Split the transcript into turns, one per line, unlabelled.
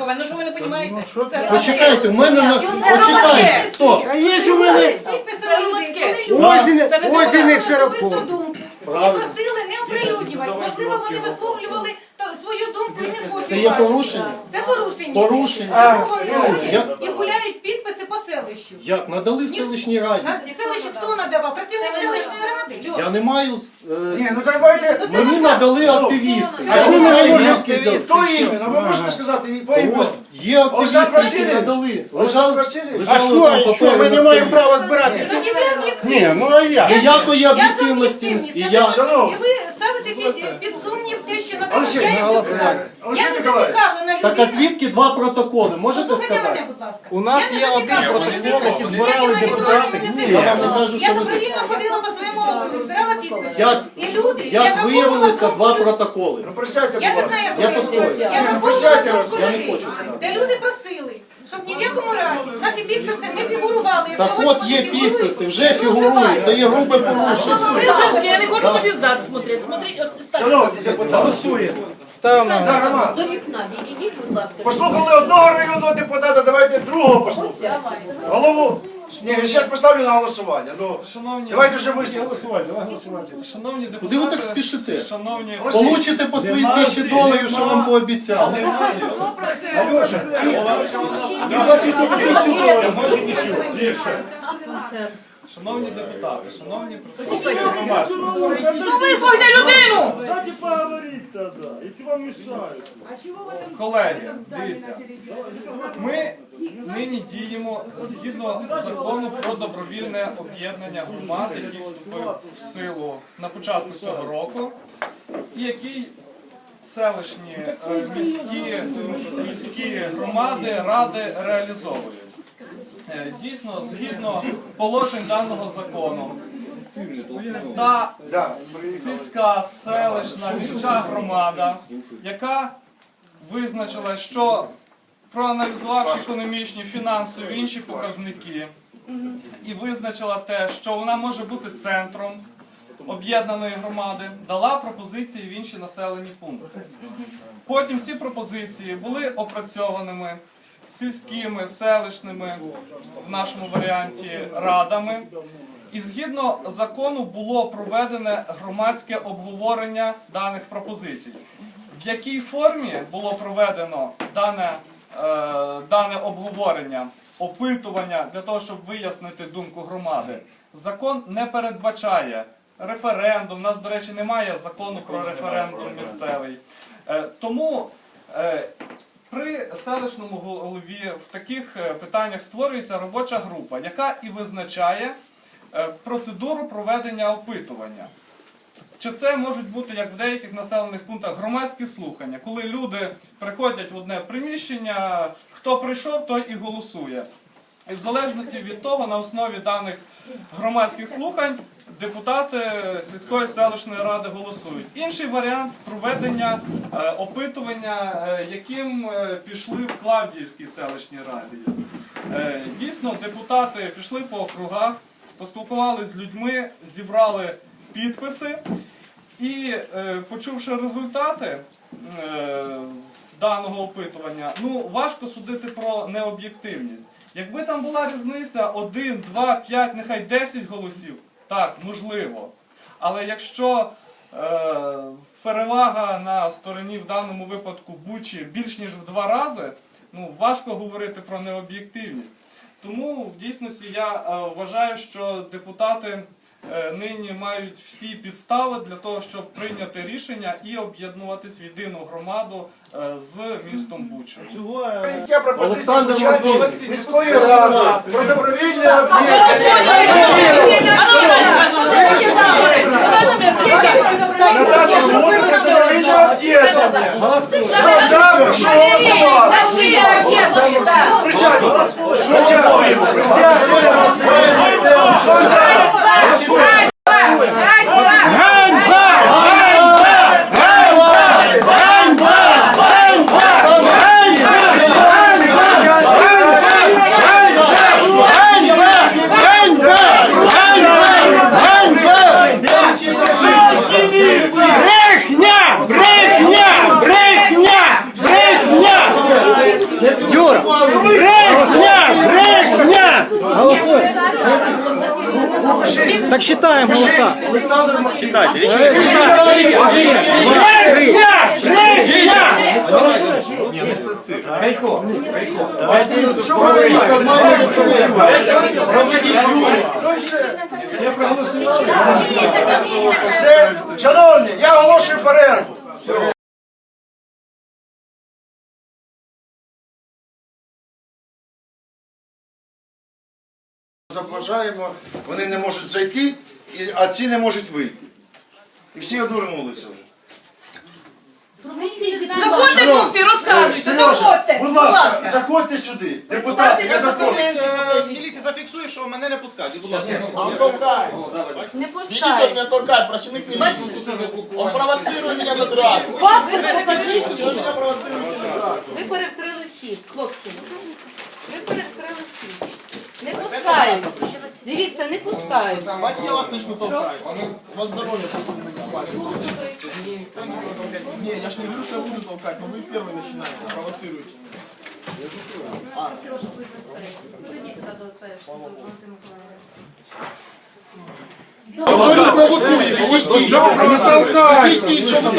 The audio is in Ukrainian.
військове. Ну що ви не розумієте?
Почекайте, в мене на... Почекайте, стоп.
А є у мене Озіних Широко.
І просили не оприлюднювати. Можливо, вони висловлювали свою думку і не хочуть.
Це є порушення?
Це порушення.
Порушення.
Чому вони ходять і гуляють підписи по селищу?
Як? Надали в селищній раді.
Селище хто надавав? Працівник селищної ради.
Я не маю...
Ні, ну давайте...
Мені надали активісти.
А
Я
що
не
ви
знаю,
можете
звідки взяли.
Хто іменно? Ви можете сказати по імені?
Ось, є активісти, які
Васильович?
надали.
Олександр Васильович?
А
що ми не маємо права збирати?
Тоді ви об'єктивні.
Ні, ну а я?
Ніякої
Я за
об'єктивності.
об'єктивність.
І
І
я...
ви ставите під сумнів те, що
Олексій,
наприклад, я
Олексій
не
Миколаївич.
зацікавлена
Так а
людина.
звідки два протоколи? Можете
Послухайте мене,
сказати?
будь ласка.
У нас
Я не
є один
зацікавлена
протокол,
людина.
який збирали
Ніякі
депутати.
маніпулювання не
Я вам
займаюся.
не кажу,
Я
що ви...
добровільно ходила по своєму округу, збирала підписи.
Як,
І люди,
як виявилися два протоколи?
Ну присядьте,
Я
будь
не знаю,
ласка.
як
Я постою.
виявилося. Я
Присядьте,
враховувала думку
я не
людей,
хочу знати.
де люди просили, щоб ні в якому разі наші підписи не фігурували. Як
Так
сьогодні
от
вони
є
фігурують,
підписи, вже
це
фігурують.
зловживання.
Це є грубе порушення.
Я не хочу тобі зад смотрети.
Шановні депутати.
Голосує. Ставимо на
Так, Роман,
До вікна відійдіть, будь ласка.
послухали одного районного депутата, давайте другого послухаємо. Голову. Ні, я зараз поставлю на голосування. Ну, давайте вже вислухаємо.
Шановні депутати,
Куди ви так спішите?
шановні...
Получите по своїй $1000, що вам пообіцяли.
Шановні депутати, шановні представники громадськості.
Ну вислухайте людину!
Дайте поговорить тогда, если вам мешают.
Колеги, дивіться, ми нині діємо згідно закону про добровільне об'єднання громад, який вступив в силу на початку цього року, і який селищні, міські, сільські громади, ради реалізовують. Дійсно, згідно положень даного закону, та сільська, селищна, міська громада, яка визначила, що проаналізувавши економічні, фінансові, інші показники, і визначила те, що вона може бути центром об'єднаної громади, дала пропозиції в інші населені пункти. Потім ці пропозиції були опрацьованими сільськими, селищними, в нашому варіанті, радами. І згідно закону було проведене громадське обговорення даних пропозицій. В якій формі було проведено дане обговорення, опитування для того, щоб вияснити думку громади, закон не передбачає референдум. У нас, до речі, немає закону про референдум місцевий. Тому при селищному голові в таких питаннях створюється робоча група, яка і визначає процедуру проведення опитування. Чи це можуть бути, як в деяких населених пунктах, громадські слухання, коли люди приходять в одне приміщення, хто прийшов, той і голосує. І в залежності від того, на основі даних громадських слухань, депутати сільської селищної ради голосують. Інший варіант – проведення опитування, яким пішли в Клавдіївській селищній раді. Дійсно, депутати пішли по округах, поспілкувалися з людьми, зібрали підписи і, почувши результати даного опитування, важко судити про необ'єктивність. Якби там була різниця 1, 2, 5, нехай 10 голосів, так, можливо. Але якщо перевага на стороні в даному випадку Бучі більш ніж в 2 рази, важко говорити про необ'єктивність. Тому в дійсності я вважаю, що депутати нині мають всі підстави для того, щоб прийняти рішення і об'єднуватись в єдину громаду з містом Буча.
Прийняття пропозиції
Олександр
Бучанської
Миколаївич.
міської ради про добровільне об'єднання. Надати згоду на добровільне об'єднання. Хто за, прошу голосувати. Присядьте. Голосуємо. Присядьте. Хто за?
Так считаем голоса.
Олександр Максим.
Все, шановні, я оголошую перерву. Заважаємо, вони не можуть зайти, а ці не можуть вийти. І всі одурнулися вже.
Заходьте, хлопці, розказуйте, заходьте.
Будь ласка, заходьте сюди. Депутати, не заходьте.
Міліція зафіксує, що мене не пускають. Будь ласка.
Не
Видите, он
пускають.
меня толкает, працівник милиции. Он провоцирует меня на драку.
Паспорт покажіть.
Он меня провоцирует на драку.
Ви перекрили вхід, хлопці. Ви перекрили вхід. Не пускають. Дивіться, не пускають.
Давайте я вас начну толкать. У вас здоровье просто не хватит. Не, я ж не говорю, что я буду толкать, но вы первый начинаете, провоцируете.
Що ви провокуєте? Не толкайте.